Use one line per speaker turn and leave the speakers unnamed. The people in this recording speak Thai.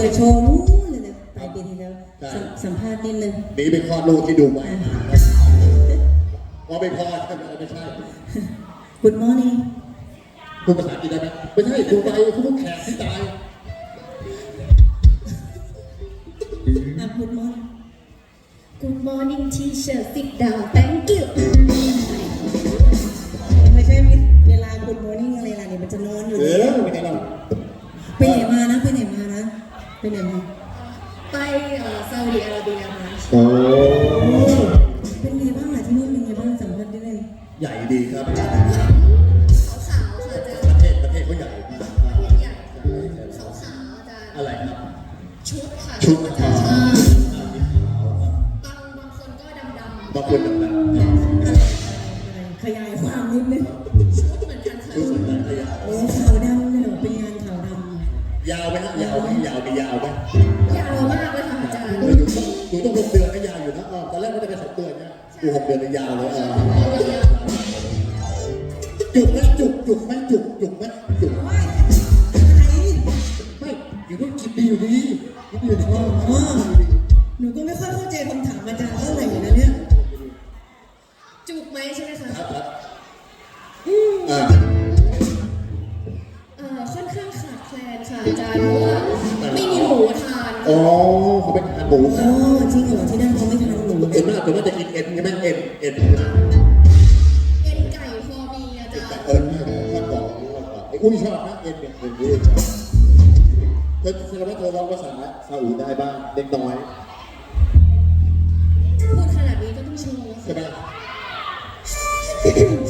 ปิดโชว์นู้นเลยนะปลายปีที่แล้วสัมภาษณ์นิดนึง
นี่เป็นข้อลูกที่ดูไว้พอไม่พอไม่ใช่
Good morning
พูดภาษาอังกฤษได้ไหมไม่ใช่ดูไปพูดแขกที่ตาย
Good morning
Good morning teacher sit down thank you
ไม่ใช่เวลา Good morning อะไรล่ะเนี่ยมันจะนอนอยู่
ไม่ใช่หรอก
ไปไหนมานะไปไหนมา
ไปซาอุดิอาระเบียมา
โอ้
เป็นไงบ้างล่ะที่นู่นเป็นไงบ้างสัมภาษณ์ได้เลย
ใหญ่ดีครับ
ขาวค่ะอาจารย์
ประเทศเขาใหญ่มาก
ใหญ่ขาวอาจารย์
อะไรครับ
ชุดค่ะ
ชุด
อาจารย์
บาง
คนก็ดำ
บางคนดำ
ขยายความนิดนึง
ชุดเหมือนกันค่ะ
ชุดเหมือนกัน
โอ้ขาวดำเลยเหรอเป็นงานขาวด
ำยาวไหมครับยาวไหมยาวม
ยาวมากเลยค่ะอาจารย์
ดูต้อง6 เดือนก็ยาวอยู่นะตอนแรกก็จะเป็น2 เดือนเนี่ยดู6 เดือนยาวเลยจุกไหมจุกไหมไม่อยู่ต้องกินดีอยู่ดี
หนูก็ไม่ค่อยเข้าใจคำถามอาจารย์เท่าไหร่นะเนี่ย
จุกไหมใช่ไหมคะค่อนข้างขาดแคลนค่ะอาจารย์เพราะว่าไม่มีหมูทาน
อ๋อเขาเป็นทานหมู
อ๋อจริงเหรอที่นั่นเขาไม่ทานหมู
เอ็นมากแต่ว่าจะกินเอ็นใช่ไหมเอ็น
เอ็นไก่พอมีอาจารย์
ชอบบอกไอ้อุ้ยชอบนะเอ็นเนี่ยเอ็นชอบเธอแสดงว่าเธอร้องภาษาซาอุได้บ้างเล็กน้อย
พูดขนาดนี้ก็ต้องโชว์
ใช่ไหม